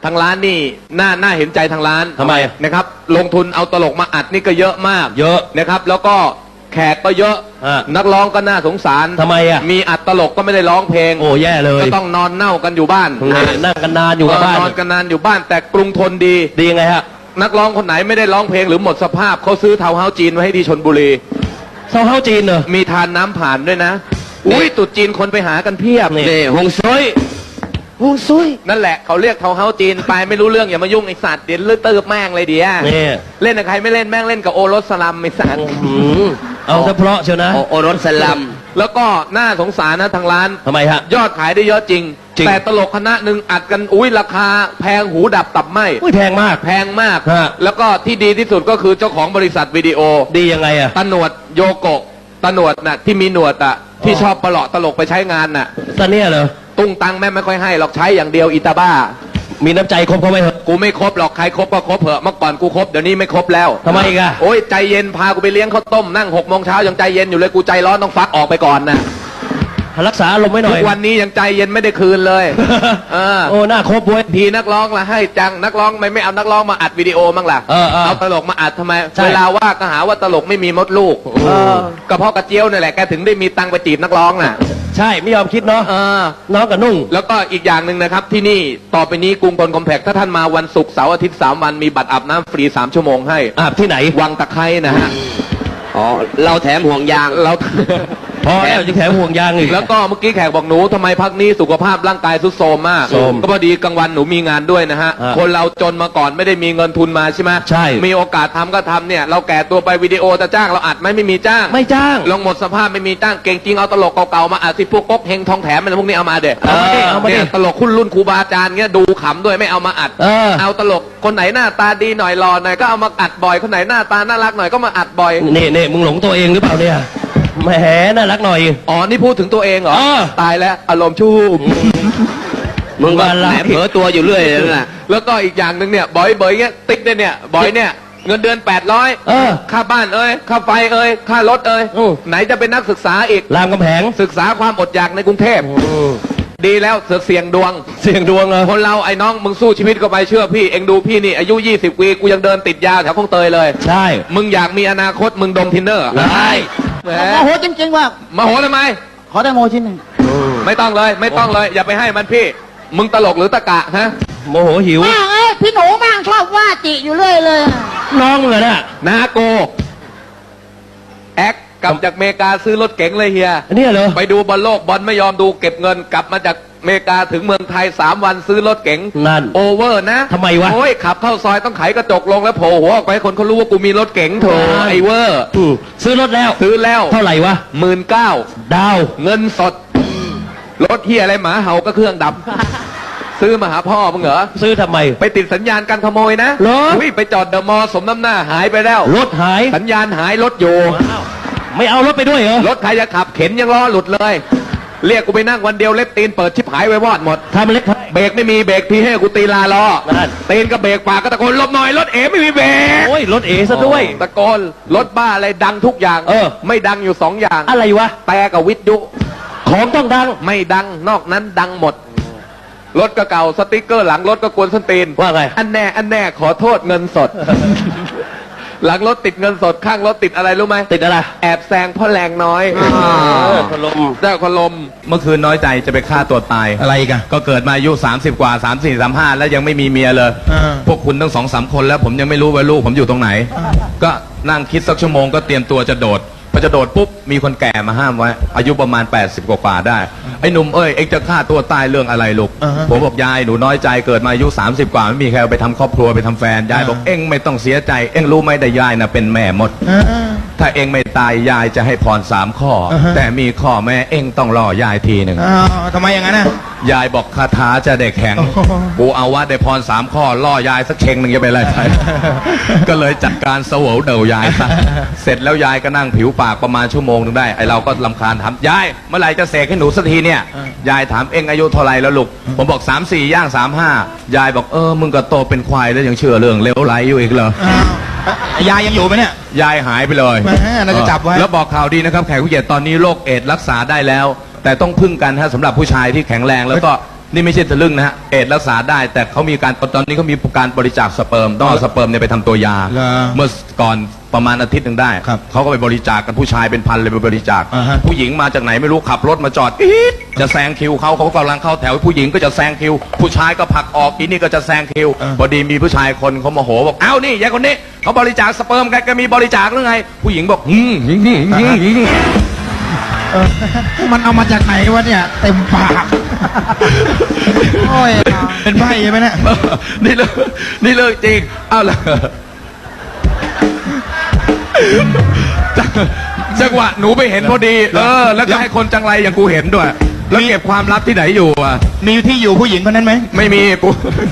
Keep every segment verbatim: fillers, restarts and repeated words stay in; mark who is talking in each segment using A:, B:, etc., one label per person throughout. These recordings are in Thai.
A: ทางร้านนี่น่าน่าเห็นใจทางร้าน
B: ทำไม
A: นะครับลงทุนเอาตลกมาอัดนี่ก็เยอะมาก
B: เยอะ
A: นะครับแล้วก็แขกก็เยอะ
B: ฮะ
A: นักร้องก็น่าสงสาร
B: ทำไมอ่ะ
A: มีอัดตลกก็ไม่ได้ร้องเพลง
B: โอ้แย่เลย
A: ก็ต้องนอนเน่ากันอยู่บ้าน
B: นั่งกันนานอยู่กับบ้าน
A: นอนกันนานอยู่บ้านแต่กรุงทนดี
B: ดียังไงฮะ
A: นักร้องคนไหนไม่ได้ร้องเพลงหรือหมดสภาพเขาซื้อเทาเฮ้าจีนไว้ให้ที่ชลบุรี
B: เซาเฮ้าจีนเหรอ
A: มีทานน้ำผ่านด้วยนะอุ้ยตรุษจีนคนไปหากันเพียบ
B: นี่ฮงซุย
A: ฮงซุยนั่นแหละเขาเรียกเทาเฮ้าจีนไปไม่รู้เรื่องอย่ามายุ่งไอ้สัตว์เดี๋ยวเลือดเติบแม่งเลยเดี๋ยว
B: นี่
A: เล่นกับใครไม่เล่นแม่งเล่นกับโอรสสลัมไอ้สัตว์
B: อืมเอาซะเพราะเชียวนะ
C: โอโอรสสลัม
A: แล้วก็น่าสงสารนะทางร้าน
B: ทำไมฮะ
A: ยอดขายได้เยอะจริง
B: จริง
A: แต่ตลกคณะหนึ่งอัดกันอุ้ยราคาแพงหูดับตับไหม
B: อุ้ยแพงมาก
A: แพงมาก
B: ฮะ
A: แล้วก็ที่ดีที่สุดก็คือเจ้าของบริษัทวิดีโอ
B: ดียังไงอ่ะ
A: ตาหนวดโยโกะตาหนวดน่ะที่มีหนวดอ่ะที่ชอบประหลาะตลกไปใช้งานน่ะ
B: ตอนเนี้ยเหรอ
A: ตุ้งตังแม่ไม่ค่อยให้หรอกใช้อย่างเดียวอิตาบ้า
B: มีน้ำใจครบเขาไหมเหรอ
A: กูไม่ครบหรอกใครครบก็ครบเถอะเมื่อก่อนกูครบเดี๋ยวนี้ไม่ครบแล้ว
B: ทำไมอีกอะ
A: โอ้ยใจเย็นพากูไปเลี้ยงข้าวต้มนั่งหกโมงเช้ายังใจเย็นอยู่เลยกูใจร้อนต้องฟักออกไปก่อนนะ
B: รักษาอารมณ์ไว้หน่
A: ทุ
B: อย
A: กวันนี้ยังใจเย็นไม่ได้คืนเลย เออ
B: โอ้หน้าครบเว้ย
A: ทีนักร้องละให้จังนักร้องไม่ไม่เอานักร้องมาอัดวิดีโอมั้งล่ะ
B: เออเออ
A: ตลกมาอัดทำไม
B: ใช่
A: เวลาว่าก็หาว่าตลกไม่มีมดลูก
B: เออ
A: ก็เพราะกระเจียวนี่แหละแกถึงได้มีตังค์ไปจีบนักร้องน่ะ
B: ใช่ไม่ยอมคิดเนาะ
A: เออ
B: น้องกับนุ่ง
A: แล้วก็อีกอย่างหนึ่งนะครับที่นี่ต่อไปนี้กรุงทนคอมแพคถ้าท่านมาวันศุกร์เสาร์อาทิตย์สามวันมีบัตรอาบน้ำฟรีสามชั่วโมงให้
B: อาบที่ไหน
A: วังตะไคร้นะฮะ
C: อ๋อ เราแถมห่วงยาง
A: เรา
B: พอแล้วจะแถมห่วงยางอีก
A: แล้วก็เมื่อกี้แขกบอกหนูทำไมพักนี้สุขภาพร่างกายทรุดโทรมมาก
B: โทรม
A: ก็พอดีกลางวันหนูมีงานด้วยนะฮะ
B: อ่า
A: คนเราจนมาก่อนไม่ได้มีเงินทุนมาใช่ไหม
B: ใช่
A: มีโอกาสทำก็ทำเนี่ยเราแก่ตัวไปวิดีโอจะจ้างเราอัดไหมไม่มีจ้าง
B: ไม่จ้าง
A: ลงหมดสภาพไม่มีจ้างเก่งจริงเอาตลกเก่าๆมาอัดสิพวกก๊กเฮงทองแถมอะไรพวกนี้เอามาเด็ด
B: เอามาดิเอามาดิ
A: ตลกคุณรุ่นครูบาอาจารย์เงี้ยดูขำด้วยไม่เอามาอัด
B: เออ
A: เอาตลกคนไหนหน้าตาดีหน่อยหล่อหน่อยก็เอามาอัดบ่อยคนไหนหน้าตาน่ารักหน่อยก็มาอัดบ่อย
B: นี่นี่มึงหลงตัวเองหรือเปล่าเนี่ยแหมน่ารักหน่อย
A: อ๋อนี่พูดถึงตัวเองเหรอ
B: เออ
A: ตายแล้วอารมณ์ชูบ
C: มึงก็
B: อะไร
C: แหมเผลอตัวอยู่เรื่อยเลยนะ
A: แล้วก็อีกอย่างหนึ่งเนี่ยบอยเบยเงี้ยติ๊กเนี่ยเนี่ยบอยเนี่ยเงินเดือนแปดร้อย
B: เออ
A: ค่าบ้านเอ้ยค่าไฟเอ้ยค่ารถเอ้ย
B: อืม
A: ไหนจะเป็นนักศึกษาอีก
B: รามกำแพง
A: ศึกษาความอดอยากในกรุงเทพดีแล้วเสือกเสี่ยงดวง
B: เสียงดวงเหรอ
A: คนเราไอ้น้องมึงสู้ชีวิตก็ไปเชื่อพี่เองดูพี่นี่อายุยี่สิบปีกูยังเดินติดยาแถวคลองเตยเลย
B: ใช่
A: มึงอยากมีอนาคตมึงดมทินเนอร์
B: ได้
A: แหม
D: โมโหจริงๆว่า
A: มาโหทำไม
D: ขอได้โมชิ้นหนึ่ง
A: ไม่ต้องเลยไม่ต้องเลยอย่าไปให้มันพี่ มึงตลกหรือตะกะฮะ
B: โมโหหิว
D: แม่งเอ้ยพี่หนูแม่งชอบว่าจิอยู่เรื่อยเลย
B: น้องเหรอน่ะ
A: นาโกแอคกลับจากอเมริกาซื้อรถเก๋งเลยเฮีย
B: อันนี้เหรอ
A: ไปดูบอลโลกบอลไม่ยอมดูเก็บเงินกลับมาจากอเมริกาถึงเมืองไทยสามวันซื้อรถเก๋ง
B: นั่น
A: โอเวอร์นะ
B: ทำไมวะ
A: โอ้ยขับเข้าซอยต้องไขกระจกลงแล้วโผล่หัวออกไปให้คนเขารู้ว่ากูมีรถเก๋งโถไอเวอร์
B: อืมซื้อรถแล้ว
A: ซื้อแล้ว
B: เท่าไหร่วะ
A: หมื่นเก้า
B: ดาว
A: เงินสดรถเฮียอะไรหมาเห่าก็เครื่องดับ ซื้อมาหาพ่อมึงเหรอ
B: ซื้อทำไม
A: ไปติดสัญญาณการขโมยนะ
B: เหรอ
A: อุ้ยไปจอดเดอะมอลล์สมน้ำหน้าหายไปแล้ว
B: รถหาย
A: สัญญาณหายรถอยู่
B: ไม่เอารถไปด้วยเหรอ
A: รถใครจะขับเข็นยังล้อหลุดเลย เรียกกูไปนั่งวันเดียวเล็บตีนเปิดชิบหายไว้วอดหมด
B: ทำเล็ก
A: เบรกไม่มีเบรกทีให้กูตีลาล้อ
B: นั่น
A: ตีนก็เบรกปากก็ตะโกนหลบหน่อยรถเอ๋ไม่มีเบรก
B: โอ้ยรถเอซะด้วย
A: ตะโกนรถบ้าอะไรดังทุกอย่าง
B: เออ
A: ไม่ดังอยู่สองอย่าง
B: อะไรวะ
A: แต่กับวิทยุ
B: ของต้องดัง
A: ไม่ดังนอกนั้นดังหมด รถก็เก่าสติ๊กเกอร์หลังรถก็กวนส้นตีน
B: ว่าไง
A: อันแน่อันแน่ขอโทษเงินสด หลังรถติดเงินสดข้างรถติดอะไรรู้ไหม
B: ติดอะไร
A: แอบแซงเพ่อแรงน้อย
B: เออพัดลม
A: ได้คนลมเมื่อคืนน้อยใจจะไปฆ่าตัวตาย
E: อะไรกัน
A: ก็เกิดมาอายุสามสิบกว่าสามสี่สามห้าแล้วยังไม่มีเมียเลย
E: อ่า
A: พวกคุณทั้งสองสามคนแล้วผมยังไม่รู้ว่าลูกผมอยู่ตรงไหน ก็นั่งคิดสักชั่วโมงก็เตรียมตัวจะโดดพอจะโดดปุ๊บมีคนแก่มาห้ามไว้ อายุประมาณแปดสิบกว่าๆได้ไอ้หนุ่มเอ้ยเอ็งจะฆ่าตัวตายเรื่องอะไรลูก
E: อ่าฮะ
A: ผมบอกยายหนูน้อยใจเกิดมาอายุสามสิบกว่าไม่มีใครเอาไปทำครอบครัวไปทำแฟนยายบอก
E: อ่า
A: เอ็งไม่ต้องเสียใจเอ็งรู้ไหมแต่ยายน่ะเป็นแม่มด
E: อ่า
A: ถ้าเอ็งไม่ตายยายจะให้พรสามข้อ
E: อ่าฮะ
A: แต่มีข้อแม่เอ็งต้องรอยายทีหนึ่ง
E: อ้าวทำไมอย่างนั้นน่ะ
A: ยายบอกคาถาจะได้แข็ง
E: โอ้โห
A: กูเอาว่าได้พรสามข้อล่อยายสักเชงหนึ่งจะไปอะไรไป ก็เลยจัดการเสวยเดายายซะ เสร็จแล้วยายก็นั่งผิวปากประมาณชั่วโมงหนึงได้ไอเราก็ลำคาญถามยายเมื่อไหร่จะเสกให้หนูสักทีเนี่ย ยายถามเอ็งอายุเท่าไหรแล้วลูกผมบอกสามสี่ย่างสามห้ายายบอกเออมึงก็โตเป็นควายแล้วยังเชื่อเรื่องเลวไหลอยู่อีกเหรอ
E: อ้าวอ่ะยายยังอยู่ไหมเนี่ย
A: ยายหายไปเลย
E: แหมน่าจะจับไว้
A: แล้วบอกข่าวดีนะครับแขกผู้เกียรติตอนนี้โรคเอดส์รักษาได้แล้ว แต่ต้องพึ่งกันฮะสำหรับผู้ชายที่แข็งแรงแล้วก็นี่ไม่ใช่ทะลึ่งนะฮะเอดส์รักษาได้ แต่เขามีการตอนนี้เขามีการบริจาคสเปิร์มต้องเอาสเปิร์มเนี่ยไปทำตัวยา
E: เหรอ
A: เมื่อก่อนประมาณอาทิตย์หนึ่งได้
E: ครับ
A: เขาก็ไปบริจาคกันผู้ชายเป็นพันเลยไปบริจาค
E: อ่าฮะ
A: ผู้หญิงมาจากไหนไม่รู้ขับรถมาจอดอี๊ดจะแซงคิวเขาเขากำลังเข้าแถวผู้หญิงก็จะแซงคิว ผู้ชายก็ผลักออกอีนี่ก็จะแซงคิวพอดีมีผู้ชายคนเขาโมโหบอกเอ้านี่ยายคนนี้เขาบริจาคสเปิร์มกันก็มีบริจาคหรือไง ผู้หญิงบอกอืมอืมอืมอืมอืม
E: มันเอามาจากไหนวะเนี่ย เต็มปาก โอ้ย เป็นใบใช่ไหมเนี่ย
A: นี่เรื่องนี่เรื่องจริง เอาละจังหวะหนูไปเห็นพอดี เออ แล้วก็ให้คนจังไรอย่างกูเห็นด้วย แล้วเก็บความลับที่ไหนอยู่อ่ะ
E: มีที่อยู่ผู้หญิงคนนั้นไหม
A: ไม่มีกู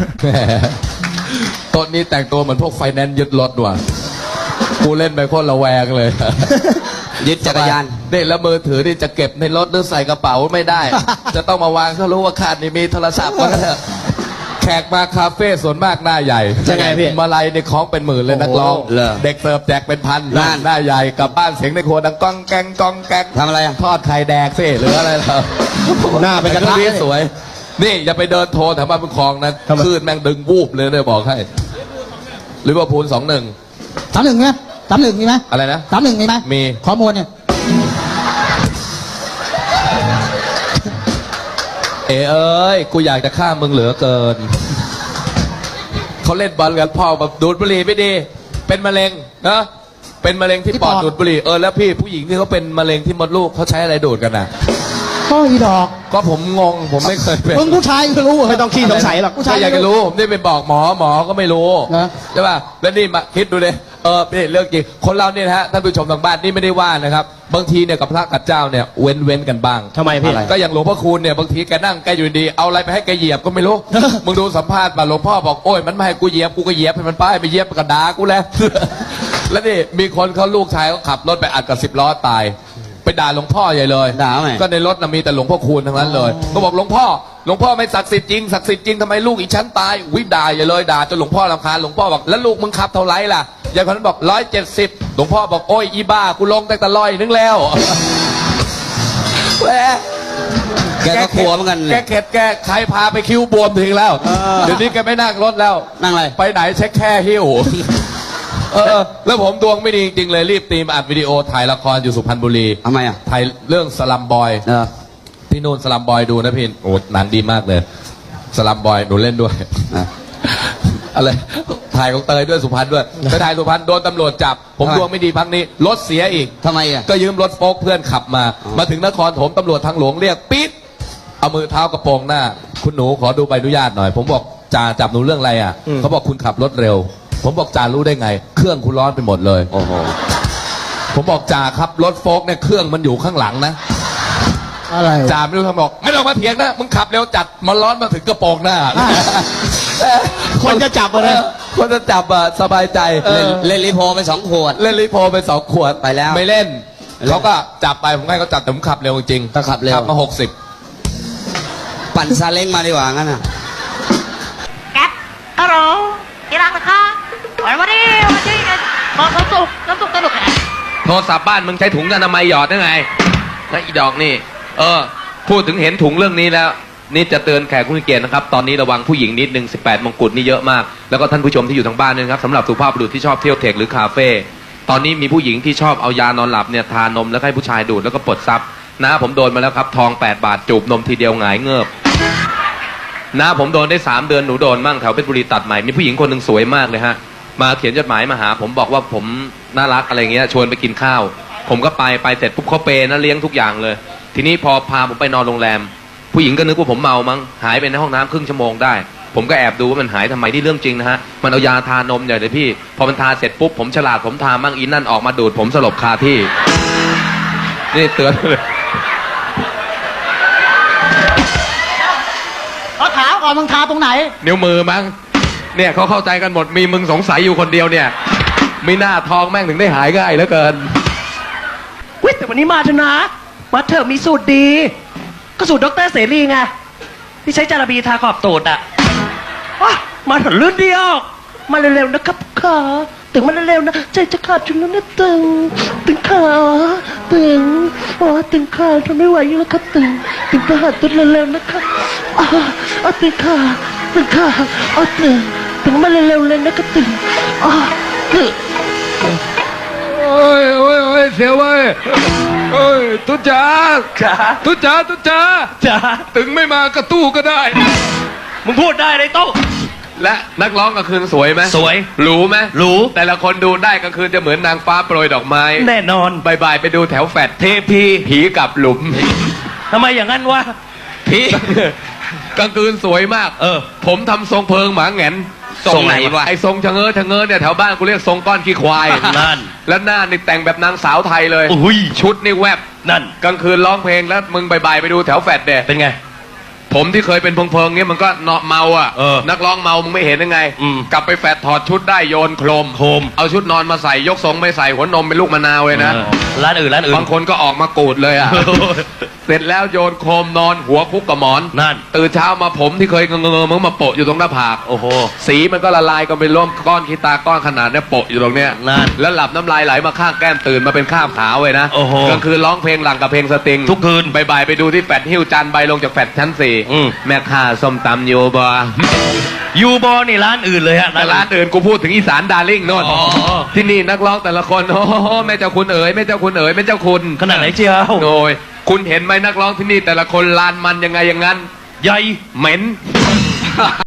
F: ต้นนี้แต่งตัวเหมือนพวกไฟแนนซ์ยึดรถว่ะกูเล่นไปโคตรระแวงเลย
C: ยึดจักรยาน
F: นี่แล้วมือถือนี่จะเก็บในรถหรือใส่กระเป๋าไม่ได้ จะต้องมาวางเขารู้ว่าขาดนี่มีโทรศัพท์ก็เถอะแขกมาคาเฟ่ส่วนมากหน้าใหญ่
B: ยังไงพี่
F: มาลัยในคล้องเป็นหมื่นเลยนักร้อง
C: เหรอ
F: เด็กเสิร์ฟแจกเป็นพัน
C: นั่น
F: หน้าใหญ่กลับบ้านเสียงในครัวดังก้องแกงก้องแกง
C: ทำอะไรอ่ะ
F: ทอดไข่แดกสิหรืออะไรเหรอ
B: หน้าเป็นกระทะ
F: แต่ก็สวย นี่อย่าไปเดินโทรแถวบ้านบุญคลองนะคลื่นแม่งดึงวูบเลยเนี่ยบอกให้ลิเวอร์พูลสองหนึ่ง
G: สามหนึ่งไหมสามหนึ่งมีไหม
F: อะไรนะ
G: สามหนึ่งมีไหม
F: มี
G: ข้อมูลเนี่ย
F: เอเอ้ย กูอยากจะฆ่ามึงเหลือเกิน เขาเล่นบอลกันพ่อแบบดูดบุหรี่ไม่ดี เป็นมะเร็งนะเป็นมะเร็งที่ปอดดูดบุหรี่เออแล้วพี่ผู้หญิงที่เขาเป็นมะเร็งที่มดลูกเขาใช้อะไรดูดกันน่ะ
G: ก็อีดอก
F: ก็ผมงงผมไม่เคยเป็น
G: มึงผู้ชายก็รู้เหร
B: ไม่ต้องขี้สงสัยหรอก
G: ผู้ชาย
F: ก็อยากจะรู้ผมได้ไปบอกหมอหมอก็ไม่รู้
G: นะ
F: ใช่ป่ะแล้วนี่มาคิดดูเลยเออนี่เรื่องจริงคนเราเนี่ยนะฮะท่านผู้ชมทางบ้านนี่ไม่ได้ว่านะครับบางทีเนี่ยกับพระกับเจ้าเนี่ยเว้นเว้นกันบ้าง
B: ทำไมพี่
F: ก็อย่างหลวงพ่อคูณเนี่ยบางทีแกนั่งแกอยู่ดีเอาอะไรไปให้แกเหยียบก็ไม่รู้ มึงดูสัมภาษณ์มาหลวงพ่อบอกโอ้ยมันไม่ให้กูเหยียบกูก็เหยียบให้มันไปไปเหยียบกระดากูแล้ว แล้วนี่มีคนเขาลูกชายเขาขับรถไปอัดกับสิบล้อตาย ไปด่าหลวงพ่อใหญ่เลย
C: ด่าไหม
F: ก็ในรถน่ะมีแต่หลวงพ่อคูณทั้งนั้นเลยก็บอกหลวงพ่อหลวงพ่อไม่ศักดิ์สิทธิ์จริงศักดิ์สิทธิ์จริงทำไมลูกอีฉันตายวิด่าใหญ่เลยด่าจนหลวงพ่อรำคาญหลวงพ่อบอกแล้วลูกมึงขับเท่าไหร่ล่ะยายคนนั้นบอกร้อยเจ็ดสิบหลวงพ่อบอกโอ้ยอีบ้ากูลงตั้งแต่ร้อยนึงแล้ว แหม
C: แกก็กลัวเหมือนกัน
F: แก
C: เนี่ย
F: เข็ดแกใครพาไปคิ้วบวมถึงแล้ว เดี๋ยวนี้แกไม่นั่งรถแล้ว
C: นั่งอะไร
F: ไปไหนเช็คแค่หิ้ว เออ แล้วผมดวงไม่ดีจริงๆเลยรีบตีมาอัดวิดีโอถ่ายละครอยู่สุพรรณบุรี
C: ทำไมอ่ะ
F: ถ่ายเรื่องสลัมบอย
C: เออ
F: ที่นู่นสลัมบอยดูนะพี่โอ้หนังดีมากเลย สลัมบอยหนูเล่นด้วย
C: อ่ะ
F: อะไร ถ่ายของเตยด้วยสุพรรณด้วยไปถ่ายสุพรรณโดนตำรวจจับ ผม
C: ทำไม
F: ดวงไม่ดีพักนี้ รถเสียอีก
C: ทำไมอ่ะ
F: ก็ยืมรถโฟล์คเพื่อนขับมา มาถึงนครถมตำรวจทางหลวงเรียกปิดเอามือเท้ากระโปรงหน้า คุณหนูขอดูใบอนุญาตหน่อย ผมบอกจ่าจับหนูเรื่องอะไรอ่ะ เขาบอกคุณขับรถเร็ว ผมบอกจ่ารู้ได้ไง เครื่องคุณร้อนไปหมดเลย
C: โอ้โห
F: ผมบอกจ่าครับรถโฟล์คเนี่ยเครื่องมันอยู่ข้างหลังนะ
G: อะไร
F: จ่าไม่รู้ทำบอก ไม่ต้องมาเถียงนะ มึงขับเร็วจัดมันร้อนมาถึงกระโปรงหน้า
E: คนจะจับอะนะ
F: คนจะจับอ่ะสบายใจ
C: เล่นเล่นรีโพไปสองขวด
F: เล่นรีโพไปสองขวด
C: ไปแล้ว
F: ไม่เล่นเขาก็จับไปผมให้เขาจับแต่ผมขับเร็วจริง
C: ก็ขับเร็ว
F: ขับมาหกสิบ
C: ปั่นซาเล้งมาดีกว่างั้นอ่ะ
D: แก๊ปฮัลโหลที่รักนะคะวันวันนี้วันนี้น้ำสุกน้ำสุกสนุก
A: โทรศัพท์บ้านมึงใช้ถุงอนามัยหยอดได้ไงแล้วอีดอกนี่ เออ พูดถึงเห็นถุงเรื่องนี้แล้ว นี่จะเตือนแขกผู้มีเกียรตินะครับ ตอนนี้ระวังผู้หญิงนิดนึงสิบแปดมงกุฎนี่เยอะมาก แล้วก็ท่านผู้ชมที่อยู่ทางบ้านด้วยนะครับสำหรับสุภาพบุรุษที่ชอบเที่ยวเทคหรือคาเฟ่ตอนนี้มีผู้หญิงที่ชอบเอายานอนหลับเนี่ยทานมแล้วให้ผู้ชายดูดแล้วก็ปลดซับนะผมโดนมาแล้วครับทองแปดบาทจูบนมทีเดียวหงายเงือบนะผมโดนได้สามเดือนหนูโดนมั่งแถวเพชรบุรีตัดใหม่มีผู้หญิงคนหนึ่งสวยมากเลยฮะมาเขียนจดหมายมาหา ผมบอกว่าผมน่ารักอะไรเงี้ยชวนไปกินข้าว ผมก็ไปไปเสร็จปุ๊บเขาเปย์นะเลี้ยงทุกอย่างเลย ทีนี้พอพาผมไปนอนโรงแรม ผู้หญิงก็นึกว่าผมเมามั้งหายไปในห้องน้ำครึ่งชั่วโมงได้ ผมก็แอบดูว่ามันหายทำไมที่เรื่องจริงนะฮะมันเอายาทานมใหญ่เลยพี่ พอมันทาเสร็จปุ๊บผมฉลาดผมทามั่งอีนั่นออกมาดูดผมสลบคาที่นี่เตือนเลย
D: เขาถามก่อนมึงทาตรงไหน
A: นิ้วมือมั้งเนี่ยเขาเข้าใจกันหมดมีมึงสงสัยอยู่คนเดียวเนี่ยมีหน้าทองแม่งถึงได้หายง่ายเหลือเกิน
B: เว้ยแต่วันนี้มาเถอะนะมาเถอะมีสูตรดี ก็สูตรดรเสรีไงที่ใช้จาระบีทาขอบตูดอ่ะว้ามาเถอะลื่นเดียว มาเร็วๆนะครับค่ะตึงมาเร็วๆนะใจจะขาดจนแล้วนะตึงตึงขาตึงอ๋อตึงขาทนไม่ไหวอยู่แล้วครับตึงตึงขาหาตึงเร็วๆนะครับอ๋ออ๋อตึงขาตึงขาอ๋อตึงตึงมาเร็วๆเลยนะครับตึงอ๋อตึง
A: โอ้ยโอ้ยโอ้ยเสียวเว้ยโอ้ยตุ๊จ๋า
B: จ๋า
A: ตุ๊จ๋าตุ๊จ๋า
B: จ๋า
A: ถึงไม่มากระตู้ก็ได้
B: มึงพูดได้เลยโต้
A: และนักร้องกลางคืนสวยไหม
B: สวย
A: หรูไหม
B: หรู
A: แต่ละคนดูได้กลางคืนจะเหมือนนางฟ้าโปรยดอกไม้
B: แน่นอน
A: บายๆไปดูแถวแฟด
B: เทพี
A: ผีกับหลุม
B: ทำไมอย่างนั้นวะ
A: ผี กลางคืนสวยมาก
B: เออ
A: ผมทำทรงเพิงหมาแหงน
C: ทรงไหนวะ
A: ไอ้ทรงชะเง้อชะเง้อเนี่ยแถวบ้านกูเรียกทรงก้อนขี้ควาย
B: นั่น
A: แล้วหน้านี่แต่งแบบนางสาวไทยเลย
B: อุ้ย
A: ชุดนี่แวบ
B: นั่น
A: กลางคืนร้องเพลงแล้วมึงบายๆไปดูแถวแฟดเด
B: เป็นไง
A: ผมที่เคยเป็นเพิงๆเงี้ยมันก็เนาะเมาอ่ะ
B: เออ
A: นักร้องเมามึงไม่เห็นยังไง
B: อืม
A: กลับไปแฟดถอดชุดได้โยนโครม
B: โครม
A: เอาชุดนอนมาใส่ยกทรงไม่ใส่หัวนมเป็นลูกมะนาวเลยนะ
B: เออร้านอื่นร้านอื่น
A: บางคนก็ออกมากูดเลยอ่ะ เสร็จแล้วโยนโครมนอนหัวคุกกับหมอน
B: นั่น
A: ตื่นเช้ามาผมที่เคยเงงๆมึงมาโปะอยู่ตรงหน้าผาก
B: โอ้โห
A: สีมันก็ละลายกันเป็นร่วมก้อนขี้ตาก้อนขนาดเนี้ยโปะอยู่ตรงเนี้ย
B: นั่น
A: แล้วหลับน้ำลายไหลมาข้างแก้มตื่นมาเป็นข้ามขาวเลยนะ
B: โอ้โห
A: กลางคืนร้องเพลงหลังกับเพลงสตริง
B: ทุกคืน
A: บ่ายๆไปดูที่แฟดหิ้วจานใบลงจากแฟดชั้นสี่
B: อืม
A: แม่ค้าส้มตำโยบา
B: ยูบอนี่ร้านอื่นเลยฮะ
A: แต่ร้านอื่นกูพูดถึงอีสานดาร์ลิ่งโน่น
B: อ๋อ
A: ที่นี่นักร้องแต่ละคนโอ้โหแม่เจ้าคุณเอ๋ยแม่เจ้าคุณเอ๋ยแม่เจ้าคุณ
B: ขนาดไหนเชียว
A: โอ้ยคุณเห็นไหมนักร้องที่นี่แต่ละคนลานมันยังไงอย่างนั้น
B: ใหญ่
A: เหม็น